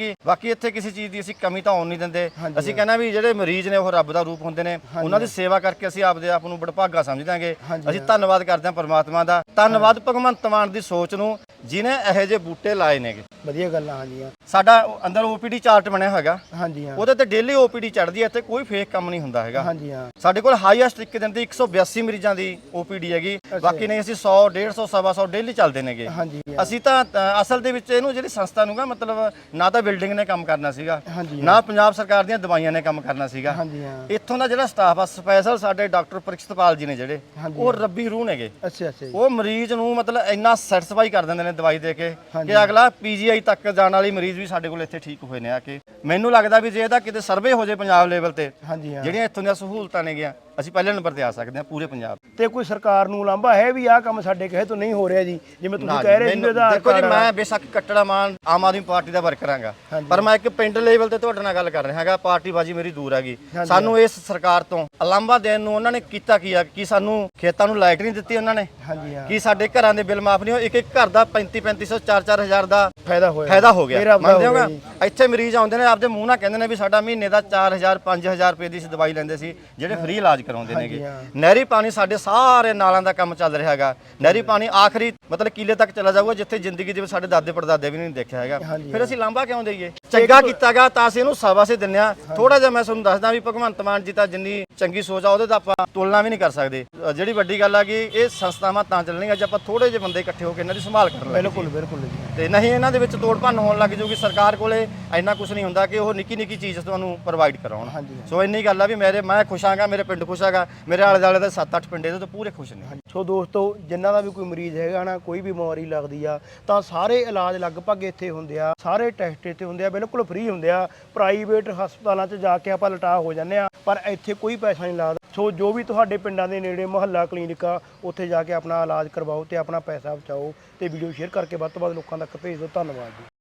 Speaker 1: ਸੀਗੀ। ਬਾਕੀ ਇੱਥੇ ਕਿਸੇ ਚੀਜ਼ ਦੀ ਅਸੀਂ ਕਮੀ ਤਾਂ ਆਉਣ ਨਹੀਂ ਦਿੰਦੇ। ਅਸੀਂ ਕਹਿੰਦੇ ਵੀ ਜਿਹੜੇ ਮਰੀਜ਼ ਨੇ ਉਹ ਰੱਬ ਦਾ ਰੂਪ ਹੁੰਦੇ ਨੇ, ਉਹਨਾਂ ਦੀ ਸੇਵਾ ਕਰਕੇ ਅਸੀਂ ਆਪਦੇ ਆਪ ਨੂੰ ਬੜਭਾਗਾ ਸਮਝਦਾਂਗੇ। ਅਸੀਂ ਧੰਨਵਾਦ ਕਰਦੇ ਹਾਂ ਪਰਮਾਤਮਾ ਦਾ, ਧੰਨਵਾਦ ਭਗਵੰਤ ਮਾਨ ਦੀ ਸੋਚ ਨੂੰ ਜਿਹਨੇ ਇਹੋ ਜਿਹੇ ਬੂਟੇ ਲਾਏ ਨੇਗੇ।
Speaker 3: ਵਧੀਆ ਗੱਲ ਆ। ਹਾਂਜੀ ਹਾਂ
Speaker 1: ਸਾਡਾ ਅੰਦਰ ਓਪੀਡੀ ਚਾਰਟ ਬਣਿਆ ਹੋਇਆ,
Speaker 3: ਹਾਂਜੀ ਹਾਂ
Speaker 1: ਉਹਦੇ ਤੇ ਡੇਲੀ ਓਪੀਡੀ ਚੜ੍ਹਦੀ ਹੈ, ਇੱਥੇ ਕੋਈ ਫੇਕ ਕੰਮ ਨਹੀਂ ਹੁੰਦਾ ਹੈਗਾ।
Speaker 3: ਹਾਂਜੀ ਹਾਂ
Speaker 1: ਸਾਡੇ ਕੋਲ ਹਾਈਐਸਟ ਇੱਕ ਦਿਨ ਦੀ ਇੱਕ ਸੌ ਬਿਆਸੀ ਮਰੀਜ਼ਾਂ ਦੀ ਓਪੀਡੀ ਹੈਗੀ, ਬਾਕੀ ਨਹੀਂ ਅਸੀਂ ਸੌ ਡੇਢ ਸੌ ਸਵਾ ਸੌ ਡੇਲੀ ਚੱਲਦੇ ਨੇਗੇ।
Speaker 3: ਹਾਂਜੀ
Speaker 1: ਅਸੀਂ ਤਾਂ ਅ, ਅਸਲ ਦੇ ਵਿੱਚ ਇਹਨੂੰ ਜਿਹੜੀ ਸੰਸਥਾ ਨੂੰਗਾ ਮਤਲਬ ਨਾ ਤਾਂ ਬਿਲਡਿੰਗ ਨੇ ਕੰਮ ਕਰਨਾ ਸੀਗਾ,
Speaker 3: ਹਾਂਜੀ
Speaker 1: ਨਾ ਪੰਜਾਬ ਸਰਕਾਰ ਦੀਆਂ ਦਵਾਈਆਂ ਨੇ ਕੰਮ ਕਰਨਾ ਸੀਗਾ।
Speaker 3: ਹਾਂਜੀ ਹਾਂ
Speaker 1: ਇੱਥੋਂ ਦਾ ਜਿਹੜਾ ਸਟਾਫ ਆ ਸਪੈਸ਼ਲ ਸਾਡੇ ਡਾਕਟਰ ਪ੍ਰਿਕਸ਼ਤਪਾਲ ਜੀ ਨੇ ਜਿਹੜੇ, ਉਹ ਰੱਬੀ ਰੂਹ ਨੇਗੇ।
Speaker 3: ਅੱਛਾ ਅੱਛਾ ਜੀ
Speaker 1: ਉਹ ਮਰੀਜ਼ ਨੂੰ ਮਤਲਬ ਇੰਨਾ ਸੈਟੀਸਫਾਈ ਕਰ ਦਿੰਦੇ ਨੇ ਦਵਾਈ ਦੇ ਕੇ ਕਿ ਅਗਲਾ ਪੀਜੀਆਈ ਤੱਕ ਜਾਣ ਵਾਲੀ ਮਰੀਜ਼ ਵੀ ਸਾਡੇ ਕੋਲ ਇੱਥੇ ਠੀਕ ਹੋਏ ਨੇ ਆ ਕੇ। ਮੈਨੂੰ ਲੱਗਦਾ ਵੀ ਜੇ ਇਹਦਾ ਕਿਤੇ ਸਰਵੇ ਹੋ ਜੇ ਪੰਜਾਬ ਲੈਵਲ ਤੇ,
Speaker 3: ਹਾਂਜੀ ਹਾਂ
Speaker 1: ਜਿਹੜੀਆਂ ਇੱਥੋਂ ਦੀਆਂ ਸਹੂਲਤਾਂ ਨੇ ਗਿਆ, ਅਸੀਂ ਪਹਿਲੇ ਨੰਬਰ ਤੇ ਆ ਸਕਦੇ ਹਾਂ ਪੂਰੇ ਪੰਜਾਬ।
Speaker 3: ਤੇ ਕੋਈ ਸਰਕਾਰ ਨੂੰ ਲਾਂਭਾ ਹੈ ਵੀ ਆਹ ਕੰਮ ਸਾਡੇ ਕਹੇ ਤੋਂ ਨਹੀਂ ਹੋ ਰਿਹਾ ਜੀ, ਜਿਵੇਂ ਤੁਸੀਂ ਕਹਿ ਰਹੇ ਸੀ ਵੀ ਆਧਾਰ
Speaker 1: ਦੇਖੋ ਜੀ,
Speaker 3: ਕਾਰਡ
Speaker 1: ਮੈਂ ਬੇਸ਼ੱਕ ਕੱਟੜਾ ਮਾਨ ਆਮ ਆਦਮੀ ਪਾਰਟੀ ਦਾ ਵਰਕਰ ਹਾਂਗਾ, ਪਰ ਮੈਂ ਇੱਕ ਪਿੰਡ ਲੈਵਲ ਤੇ ਤੁਹਾਡੇ ਨਾਲ ਗੱਲ ਕਰ ਰਿਹਾ ਹੈਗਾ। ਪਾਰਟੀਬਾਜ਼ੀ ਮੇਰੀ ਦੂਰ ਹੈਗੀ। ਸਾਨੂੰ ਇਸ ਸਰਕਾਰ ਤੋਂ ਅਲਾਂਭਾ ਦੇਣ ਨੂੰ ਉਹਨਾਂ ਨੇ ਕੀਤਾ ਕੀ ਆ ਕਿ ਸਾਨੂੰ ਖੇਤਾਂ ਨੂੰ ਲਾਈਟ ਨਹੀਂ ਦਿੱਤੀ ਉਹਨਾਂ ਨੇ,
Speaker 3: ਹਾਂਜੀ ਹਾਂ
Speaker 1: ਕਿ ਸਾਡੇ ਘਰਾਂ ਦੇ ਬਿੱਲ ਮਾਫ ਨਹੀਂ ਹੋਏ। ਇੱਕ ਇੱਕ ਘਰ ਦਾ ਪੈਂਤੀ ਪੈਂਤੀ ਸੌ ਚਾਰ ਚਾਰ ਹਜ਼ਾਰ ਦਾ
Speaker 3: ਫਾਇਦਾ ਹੋਇਆ
Speaker 1: ਫਾਇਦਾ ਹੋ
Speaker 3: ਮੇਰਾ
Speaker 1: ਗਿਆ।
Speaker 3: ਆਪਦਾ
Speaker 1: ਮੰਨਦੇ
Speaker 3: ਹੋ ਗਿਆ
Speaker 1: ਹੋਗਾ ਇੱਥੇ ਮਰੀਜ਼ ਆਉਂਦੇ ਨੇ ਆਪਦੇ ਮੂੰਹ ਨਾਲ ਕਹਿੰਦੇ ਨੇ ਵੀ ਸਾਡਾ ਮਹੀਨੇ ਦਾ ਚਾਰ ਹਜ਼ਾਰ ਪੰਜ ਹਜ਼ਾਰ ਰੁਪਏ ਦੀ ਅਸੀਂ ਦਵਾਈ ਲੈਂਦੇ ਸੀ, ਜਿਹੜੇ ਫ੍ਰੀ ਇਲਾਜ ਕਰਾਉਂਦੇ ਨੇਗੇ। ਨਹਿਰੀ ਪਾਣੀ ਸਾਡੇ ਸਾਰੇ ਨਾਲਾਂ ਦਾ ਕੰਮ ਚੱਲ ਰਿਹਾ ਹੈਗਾ। ਨਹਿਰੀ ਪਾਣੀ ਆਖਰੀ ਮਤਲਬ ਕਿਲੇ ਤੱਕ ਚਲਾ ਜਾਊਗਾ, ਜਿੱਥੇ ਜ਼ਿੰਦਗੀ ਦੇ ਵਿੱਚ ਸਾਡੇ ਦਾਦੇ ਪੜਦਾਦੇ ਵੀ ਨਹੀਂ ਦੇਖਿਆ ਹੈਗਾ। ਫਿਰ ਅਸੀਂ ਲਾਂਭਾ ਕਿਉਂ ਦੇਈਏ? ਚੰਗਾ ਕੀਤਾਗਾ ਤਾਂ ਅਸੀਂ ਇਹਨੂੰ ਸ਼ਾਬਾਸ਼ੇ ਦਿੰਦੇ ਆ। ਥੋੜਾ ਜਿਹਾ ਮੈਂ ਤੁਹਾਨੂੰ ਦੱਸਦਾ ਵੀ ਭਗਵੰਤ ਮਾਨ ਜੀ ਤਾਂ ਜਿੰਨੀ ਚੰਗੀ ਸੋਚ ਆ ਉਹਦੇ ਤਾਂ ਆਪਾਂ ਤੁਲਨਾ ਵੀ ਨਹੀਂ ਕਰ ਸਕਦੇ। ਅ, ਜਿਹੜੀ ਵੱਡੀ ਗੱਲ ਆ ਕਿ ਇਹ ਸੰਸਥਾਵਾਂ ਤਾਂ ਚੱਲਣਗੀਆਂ ਜੇ ਆਪਾਂ ਥੋੜੇ ਜਿਹੇ ਬੰਦੇ ਇਕੱਠੇ ਹੋ ਕੇ ਇਹਨਾਂ ਦੀ ਸੰਭਾਲ ਕਰਨ ਲੱਗੇ।
Speaker 3: ਬਿਲਕੁਲ ਬਿਲਕੁਲ ਜੀ।
Speaker 1: ਤੇ ਨਹੀਂ ਇਹਨਾਂ ਦੇ ਵਿੱਚ ਤੋੜ ਭੰਨ ਹੋਣ ਲੱਗ ਜੂਗੀ। ਸਰਕਾਰ ਕੋਲੇ ਇੰਨਾ ਕੁਝ ਨਹੀਂ ਹੁੰਦਾ ਕਿ ਉਹ ਨਿੱਕੀ ਨਿੱਕੀ ਚੀਜ਼ ਤੁਹਾਨੂੰ ਪ੍ਰੋਵਾਈਡ ਕਰਾਉਣ। ਸੋ ਇੰਨੀ ਗੱਲ ਆ ਵੀ ਮੇਰੇ ਮੈਂ ਖੁਸ਼ ਆਂਗਾ, ਮੇਰੇ ਪਿੰਡ ਖੁਸ਼ ਆਗਾ, ਮੇਰੇ ਆਲੇ ਦੁਆਲੇ ਦੇ ਸੱਤ ਅੱਠ ਪਿੰਡ ਇਹਦੇ ਤੋਂ ਪੂਰੇ ਖੁਸ਼ ਨੇ।
Speaker 3: ਸੋ ਦੋਸਤੋ, ਜਿਨ੍ਹਾਂ ਦਾ ਵੀ ਕੋਈ ਮਰੀਜ਼ ਹੈਗਾ ਨਾ, ਕੋਈ ਵੀ ਬਿਮਾਰੀ ਲੱਗਦੀ ਆ ਤਾਂ ਸਾਰੇ ਇਲਾਜ ਲਗਭਗ ਇੱਥੇ ਹੁੰਦੇ ਆ, ਸਾਰੇ ਟੈਸਟ ਇੱਥੇ ਹੁੰਦੇ ਆ, ਬਿਲਕੁਲ ਫ੍ਰੀ ਹੁੰਦੇ ਆ। ਪ੍ਰਾਈਵੇਟ ਹਸਪਤਾਲਾਂ 'ਚ ਜਾ ਕੇ ਆਪਾਂ ਲਟਾ ਹੋ ਜਾਂਦੇ ਆ, ਪਰ ਇੱਥੇ ਕੋਈ ਪੈਸਾ ਨਹੀਂ ਲੱਗਦਾ। ਸੋ ਜੋ ਵੀ ਤੁਹਾਡੇ ਪਿੰਡਾਂ ਦੇ ਨੇੜੇ ਮੁਹੱਲਾ ਕਲੀਨਿਕ ਆ, ਉੱਥੇ ਜਾ ਕੇ ਆਪਣਾ ਇਲਾਜ ਕਰਵਾਓ ਤੇ ਆਪਣਾ ਪੈਸਾ ਬਚਾਓ। ਤੇ ਵੀਡੀਓ ਸ਼ੇਅਰ ਕਰਕੇ ਵੱਧ ਤੋਂ ਵੱਧ ਲੋਕਾਂ ਤੱਕ ਭੇਜ ਦਿਓ। ਧੰਨਵਾਦ ਜੀ।